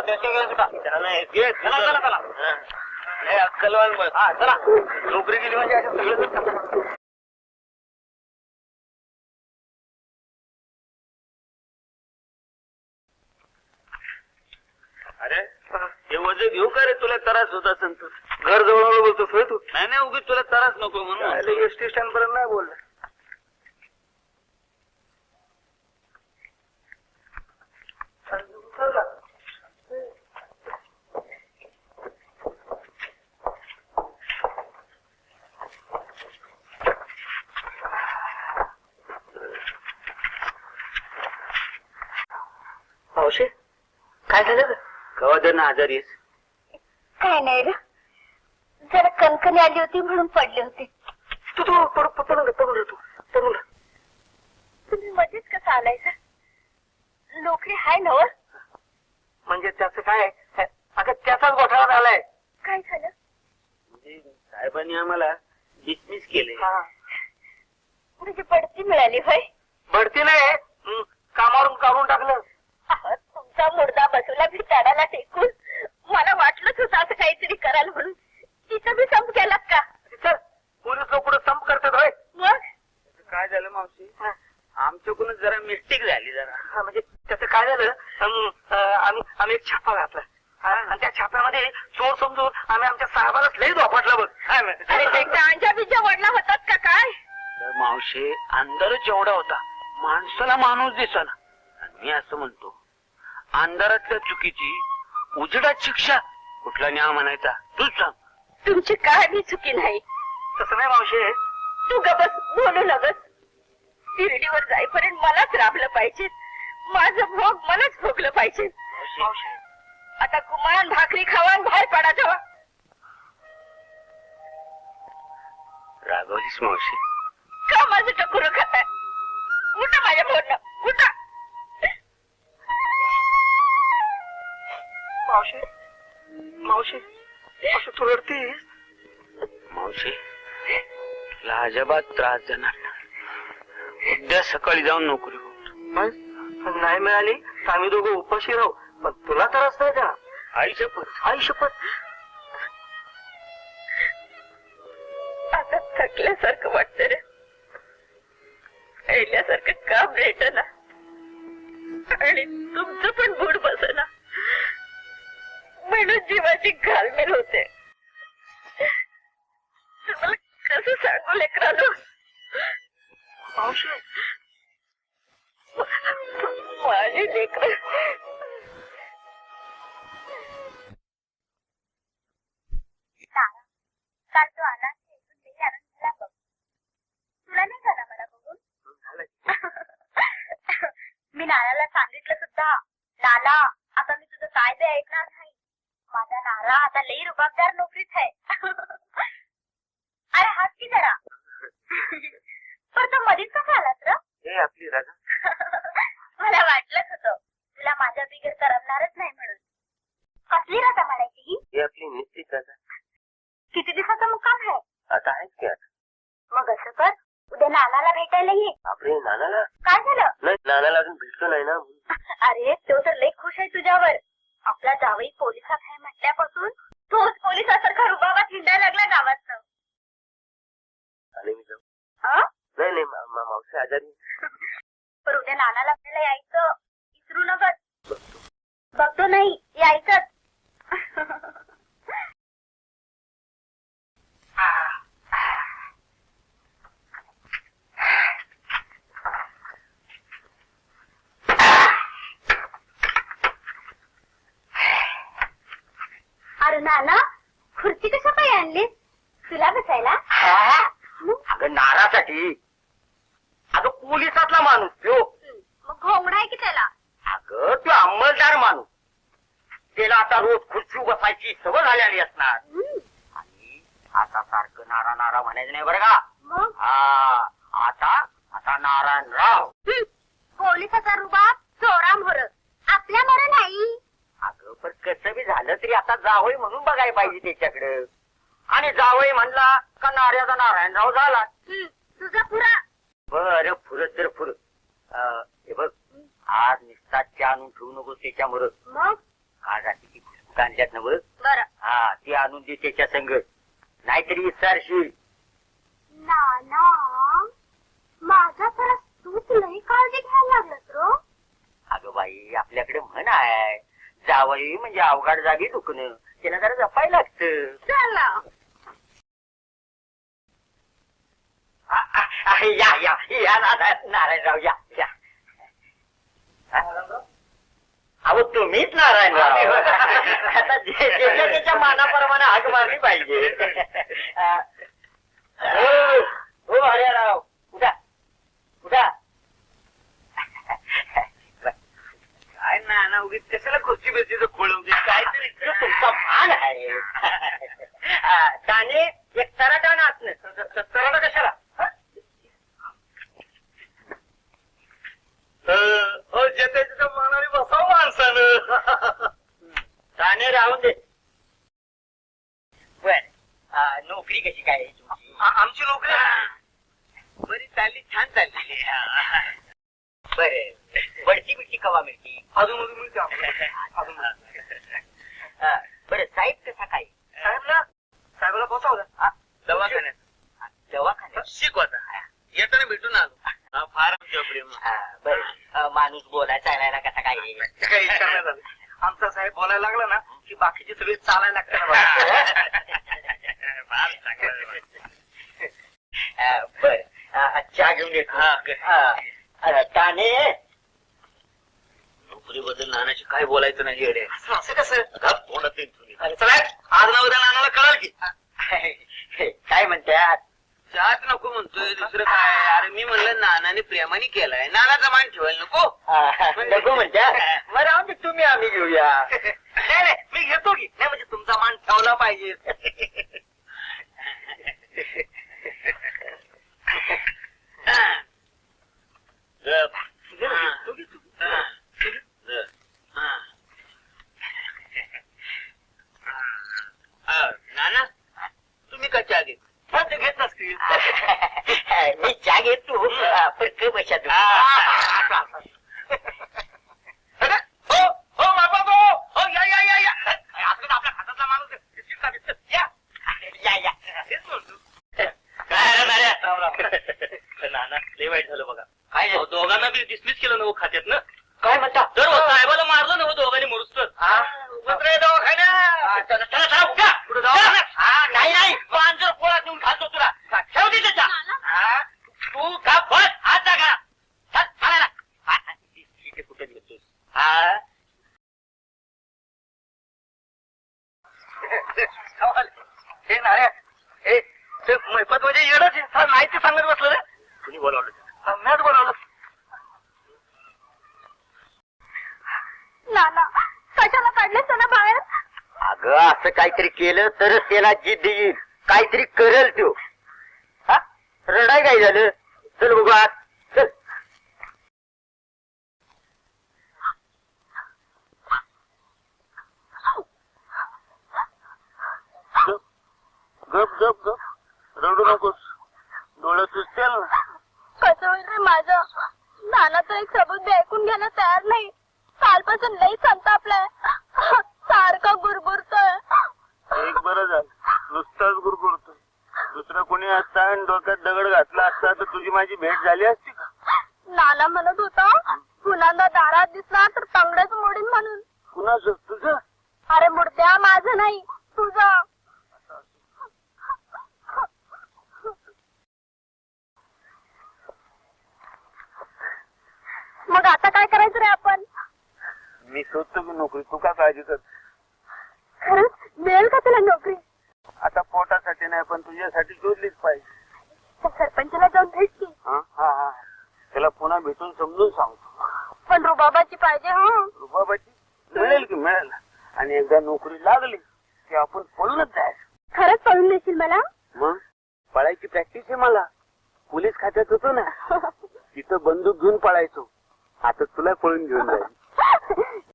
अक्कलवान चला नोकरी गेली म्हणजे असं सगळं. अरे हे वजन घेऊ का रे? तुला त्रास होत असेल तर घर जवळ बोलतोस होय तू? नाही नाही उगीच तुला त्रास नको म्हणून. एसटी स्टँड पर्यंत नाही बोलला. मावशी काय झालं? कवा जर आजारी आहेस? काय नाही रे, जरा कणकणी आली होती म्हणून पडले होते. तू तू पडून तुम्ही मध्येच कसं आलायचा? नोकरी हाय ना? म्हणजे त्याचं काय? अगं त्याचाच घोटाळा झालाय. काय झालं? म्हणजे साहेबांनी आम्हाला डिसमिस केले. म्हणजे बढती मिळाली होय? बढती नाही, कामावरून काढून टाकलं. तुमचा मुर्दा बसवला भिताडाला टेकून. मला वाटलंच होतं असं काहीतरी कराल म्हणून. तिथं बी संप केलात का? चल पोलीस लोक पुढे संप करतात होय. मग काय झालं मावशी? आमच्याकडून जरा मिस्टेक झाली जरा. म्हणजे त्याचं काय झालं, आम्ही एक छापा घातला आणि त्या छाप्यामध्ये चोर समजून आम्ही आमच्या साहेबालाच लई धोपटला बघ. अरे अंजा बिजा वडला होतात का काय? मावशी अंधारच एवढा होता, माणसाला माणूस दिसना. मी असं म्हणतो, अंधारातल्या चुकीची उजेडात शिक्षा कुठला न्याय म्हणायचा? तूच सांग. तुमची काय बी चुकी नाही. तसं नाही मावशी. तू गबस, बोलू नगस. शिर्डीवर जाईपर्यंत मलाच राबलं पाहिजे. माझं भोग मलाच भोगलं पाहिजे. आता कुमार भाकरी खावा आणि बाहेर पडा जावा. रागवलीस मावशी? का माझं टकुरं खाताय? उठा माझ्या बोलणं, उठा. मावशी मावशी मावशी तू रडतीस? मावशी तुला अजिबात त्रास देणार नाही. उद्या सकाळी जाऊन नोकरी होत. नाही मिळाली तर आम्ही दोघं उपाशी राहू, पण तुला त्रास नाही देणार. आई शपथ, आई शपथ. आता थकल्यासारखं वाटत रे. पहिल्यासारखं काम भेटना आणि तुमचं पण बूड बसना म्हणून जीवाची घालमेल होते. तुम्हाला कसं सांगू लेकरांनो? मावशी माझी लेकर काल तो आला तुला नाही झाला मला बघून? मी नानाला सांगितलं सुद्धा. नाना आता मी तुझं काय ते ऐकणार नाही. माझा नाना आता लई रुबाबदार नोकरीत आहे. अरे हात की जरा. पण तो मधीच कसा आलास र? हे आपली राजा. मला वाटलंच होतं तुला माझ्या बिगर करमणारच नाही म्हणून. कसली राजा म्हणायची ही? हे आपली निश्चित राजा. किती दिवसाचा मुक्काम आहे? आता आहेच की. मग असं कर, उद्या नानाला भेटायला ये. आपले नानाला? काय झालं? नाही, नानाला अजून भेटलो नाही ना. अरे तो तर लई खुश आहे तुझ्यावर. आपला जावई पोलिसात आहे म्हटल्यापासून तोच पोलिसासारखा रुबाबात हिंडायला लागला गावात. आणि मी जाऊ? हा? नाही नाही मावशी आजारी. पण उद्या नानाला आपल्याला यायचं, विसरू नकच. बघतो नाही यायचंच. अरे नाना, खुर्ची कशा पाय आणली तुला बसायला? अगं नारासाठी. अगं पोलिसातला माणूस तो. मग घोंगडा आहे की त्याला? अगं तो अंमलदार माणूस. त्याला आता रोज खुर्ची बसायची सवय झालेली असणार. आणि आता सारखं नारा नारा म्हणायचं नाही बरं का? मग आता नारायणराव. पोलिसाचा रुबाब चोरा मोर, आपल्या मोर नाही. अगं पण कसं बी झालं तरी आता जावई म्हणून बघायला पाहिजे त्याच्याकडे. आणि जावई म्हणला का नार्याचा नारायणराव झाला. तुझा पुरा. बरं फुरत तर फुर. हे बघ, आज निस्ता आणून ठेवू नको त्याच्यामुळं. मग आज रात्री ती बिस्कुट आणल्यात ना बघ. बरं हा ती आणून दे त्याच्या संग, नाहीतरी विचारशील. नाना माझा खरं तूच लई काळजी घ्यायला लागलास रो. अगं बाई आपल्याकडे म्हण आहे, जावई म्हणजे अवघड जागी दुखणं, त्याला जरा जपायला लागतं. चला या या या नारायणराव या या. अहो तुम्हीच नारायणराव. आता ज्याच्या त्याच्या मानाप्रमाणे हाक मारली पाहिजे. हो हरिराव उठा उठा. काय ना उगीच कशाला खुर्ची बिर्चीचं खोळ उगीच काहीतरी तुमचा मान आहे. त्याने एक तराटा नाचणं. तराटा कशाला? ज्याच्या मानाने बसावं माणसानं. त्याने राहून दे. बर नोकरी कशी काय आहे तुमची? आमची नोकरी बरी चालली, छान चालली. बर बढती बिडती कवा मिळती? अजून अजून मिळते आम्हाला. बरं साहेब कसा काय? साहेबाला बसवलं दवाखान्यात. दवाखान्यात शिकवता येताना भेटून आलो. फार आमच्या प्रेम. बर माणूस बोलायचा चालायला कसा काय? काही विचारण्यात आलं. आमचा साहेब बोलायला लागला ना की बाकीचे सगळे चालायला लागतात. बर चहा घेऊन येतो. ताने नोकरीबद्दल नानाची काय बोलायचं नाही येडे. असं कसं? चला आज ना उद्या नानाला कळाल की. काय म्हणतात? चहाच नको म्हणतोय, दुसरं काय. अरे मी म्हणलं नानाने प्रेमाने केलाय, नानाचा मान ठेवायला नको. नको म्हणतात. मग राहून दे, तुम्ही आम्ही घेऊया. नाही नाही मी घेतो की. नाही म्हणजे तुमचा मान ठेवला पाहिजे. नाना तुम्ही का चहा घेत? घेत नसतील. मी चहा घेतो पण बशात. हो बाबा हो या या या या. आपल्या खात्यातला माणूस या या या. तेच म्हणतो. काय नाना लय वाईट झालं बघा. काय झालं? दोघांना बी डिसमिस केलं ना खात्यात ना. काय म्हणता? तर साहेबाला मारलं ना दोघांनी मरुस्तर. नाही नाही पांजर पोळात नेऊन घालतो तुला. ठेव दे त्याच्या. तू का बस हात जागा. कुठे घेतोस? हे नाऱ्या हे मैपत म्हणजे येडच नाही ते सांगत बसलं रे. कुणी बोलावलं? मॅच बोलावलं. नाना कशाला काढलेस ना बाहेर? अगं असं काहीतरी केलं तरच त्याला जिद्द येईल. काहीतरी करेल तो. रडाय काय झालं? चल बघू आत चल. गप गप गप रडू नकोस. डोळ्यात सुचतेल ना. कसं होईल रे माझं? नाना तर एक सबूत बी ऐकून घ्यायला तयार नाही. कालपासून लई संतापलाय. सारखा गुरगुरतोय. एक बरं झालं नुसताच गुरगुरतो. दुसरं कोणी असता आणि डोक्यात दगड घातला असता तर तुझी माझी भेट झाली असती का? नाना म्हणत होता पुन्हा दारात दिसला तर तंगडच मोडीन म्हणून. कुणाचं? तुझं? अरे मुर्द्या माझं नाही तुझं. मग आता काय करायचं रे आपण? मी शोधतो की नोकरी. तू का काळजी कर. खरंच मिळेल का तुला नोकरी? आता पोटासाठी नाही पण तुझ्यासाठी शोधलीच पाहिजे. त्या सरपंचाला जाऊन भेट की. हा हा हा त्याला पुन्हा भेटून समजून सांगतो. पण रुबाबाची पाहिजे. हा रुबाबाची मिळेल की मिळेल. आणि एकदा नोकरी लागली की आपण पळूनच जायचं. खरंच पळून देशील मला? मग पळायची प्रॅक्टिस आहे मला. पोलीस खात्यात होतो ना तिथं बंदूक घेऊन पळायचो. आता तुला पळून घेऊन जाईल.